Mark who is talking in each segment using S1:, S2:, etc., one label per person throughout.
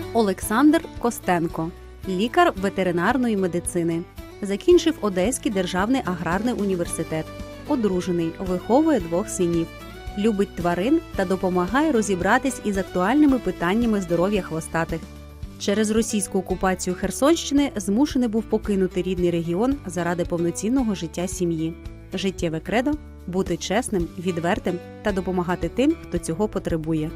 S1: Олександр Костенко – лікар ветеринарної медицини. Закінчив Одеський державний аграрний університет. Одружений, виховує 2 синів. Любить тварин та допомагає розібратись із актуальними питаннями здоров'я хвостатих. Через російську окупацію Херсонщини змушений був покинути рідний регіон заради повноцінного життя сім'ї. Життєве кредо – бути чесним, відвертим та допомагати тим, хто цього потребує.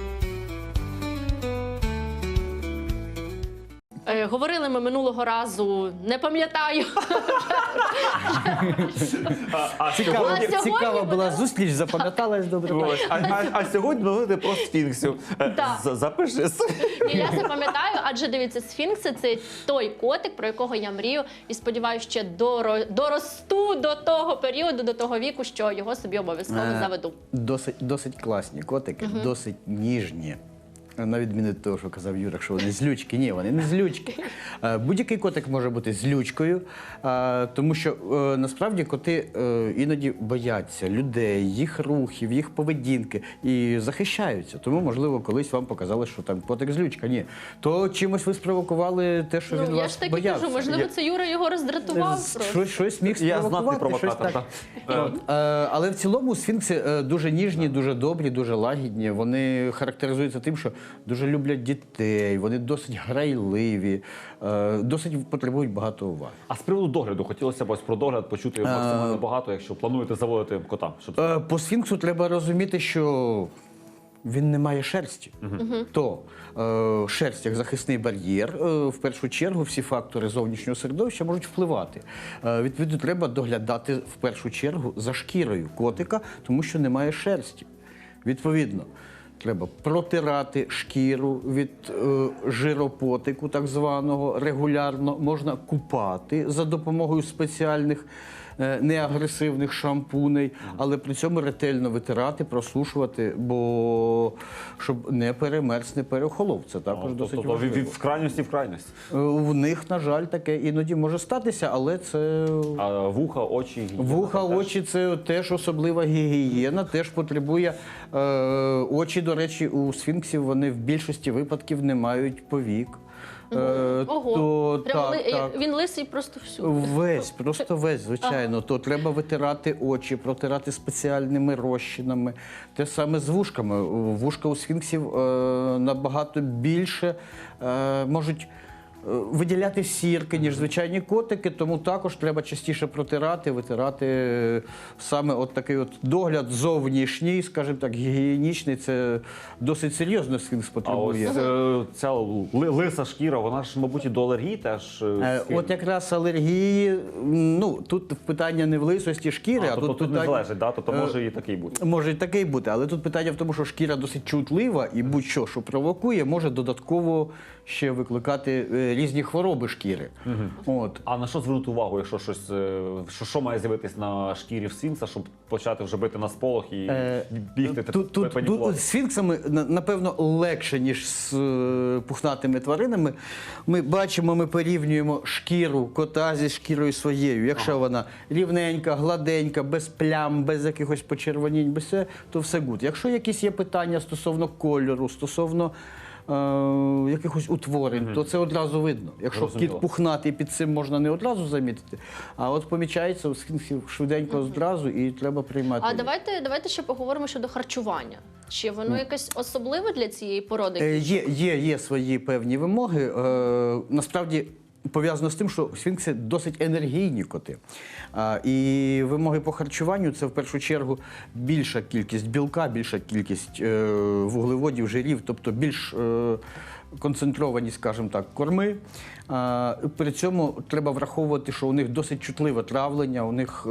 S2: Говорили ми минулого разу, не пам'ятаю.
S3: Цікава була зустріч, запам'яталась добре.
S4: А сьогодні говорити про сфінксів. Запиши.
S2: Я запам'ятаю, адже дивіться, сфінкси – це той котик, про якого я мрію. І сподіваюся, ще доросту до того періоду, до того віку, що його собі обов'язково заведу.
S3: Досить класні котики, досить ніжні. На відміну від того, що казав Юра, що вони злючки. Ні, вони не злючки. Будь-який котик може бути злючкою, тому що насправді коти іноді бояться людей, їх рухів, їх поведінки і захищаються. Тому, можливо, колись вам показали, що там котик злючка. Ні. То чимось ви спровокували те, що він вас боявся.
S2: Я ж таки кажу, можливо, це Юра його роздратував просто.
S3: Щось міг
S4: Я знатний
S3: спровокувати.
S4: провокатор.
S3: Але в цілому сфінкси дуже ніжні, дуже добрі, дуже лагідні. Вони характеризуються тим, що дуже люблять дітей, вони досить грайливі, досить потребують багато уваги.
S4: А з приводу догляду, хотілося б ось про догляд почути максимально багато, якщо плануєте заводити кота.
S3: По сфінксу треба розуміти, що він не має шерсті. То шерсть як захисний бар'єр, в першу чергу всі фактори зовнішнього середовища можуть впливати. Відповідно, треба доглядати в першу чергу за шкірою котика, тому що немає шерсті. Відповідно, треба протирати шкіру від жиропотику, так званого, регулярно. Можна купати за допомогою спеціальних неагресивних шампуней, але при цьому ретельно витирати, просушувати, бо щоб не перемерз, не переохолов. Це також досить важливо.
S4: Від крайності в крайність.
S3: В них, на жаль, таке іноді може статися, але це...
S4: А вуха, очі?
S3: Вуха, очі – це теж особлива гігієна, теж потребує... Очі, до речі, у сфінксів вони в більшості випадків не мають повік.
S2: Ого, він лисий просто всюди.
S3: Весь, просто весь, звичайно. То треба витирати очі, протирати спеціальними розчинами. Те саме з вушками. Вушка у сфінксів набагато більше можуть виділяти сірки, ніж звичайні котики, тому також треба частіше протирати, витирати. Саме от такий от догляд зовнішній, скажімо так, гігієнічний, це досить серйозно сфінкс потребує.
S4: А ось ця лиса шкіра, вона ж, мабуть, і до алергії теж?
S3: От якраз алергії, ну, тут питання не в лисості шкіри, а
S4: тут
S3: питання...
S4: не залежить, да? Тобто може і такий бути?
S3: Може і такий бути, але тут питання в тому, що шкіра досить чутлива і будь-що, що провокує, може додатково ще викликати різні хвороби шкіри. От.
S4: А на що звернути увагу, якщо щось, що має з'явитись на шкірі в сфінкса, щоб почати вже бити на сполох і бігти, панікувати?
S3: З сфінксами, напевно, легше, ніж з пухнатими тваринами. Ми бачимо, ми порівнюємо шкіру кота зі шкірою своєю. Якщо вона рівненька, гладенька, без плям, без якихось почервонінь, без все, то все гуд. Якщо якісь є питання стосовно кольору, стосовно якихось утворень, то це одразу видно. Якщо кіт пухнатий, під цим можна не одразу замітити, а от помічається у сфінксів швиденько одразу і треба приймати.
S2: А давайте ще поговоримо щодо харчування. Чи воно якесь особливе для цієї породи?
S3: Є свої певні вимоги. Насправді, пов'язано з тим, що сфінкси досить енергійні коти. І вимоги по харчуванню – це в першу чергу більша кількість білка, більша кількість вуглеводів, жирів, тобто більш концентровані, скажімо так, корми. При цьому треба враховувати, що у них досить чутливе травлення, у них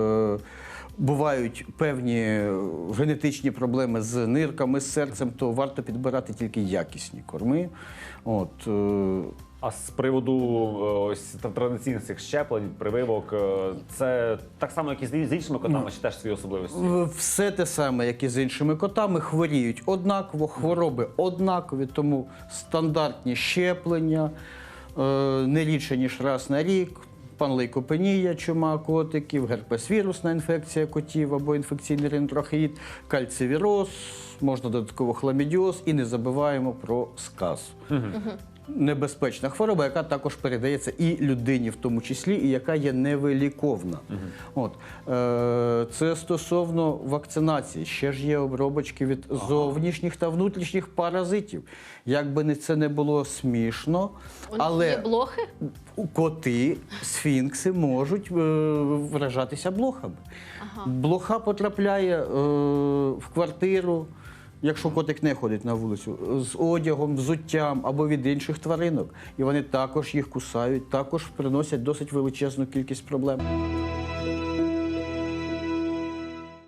S3: бувають певні генетичні проблеми з нирками, з серцем, то варто підбирати тільки якісні корми. От.
S4: А з приводу ось традиційних цих щеплень, прививок, це так само, як і з іншими котами, чи теж свої особливості?
S3: Все те саме, як і з іншими котами, хворіють однаково, хвороби однакові, тому стандартні щеплення, не рідше, ніж раз на рік, панлейкопенія, чума котиків, герпес-вірусна інфекція котів або інфекційний ринтрохеїд, кальцивіроз, можна додатково хламідіоз і не забуваємо про сказ. Небезпечна хвороба, яка також передається і людині в тому числі, і яка є невиліковна. От. Це стосовно вакцинації. Ще ж є обробочки від зовнішніх та внутрішніх паразитів. Як би це не було смішно,
S2: У них
S3: але
S2: є блохи?
S3: коти, сфінкси можуть вражатися блохами. Блоха потрапляє в квартиру, якщо котик не ходить на вулицю, з одягом, взуттям або від інших тваринок. І вони також їх кусають, також приносять досить величезну кількість проблем.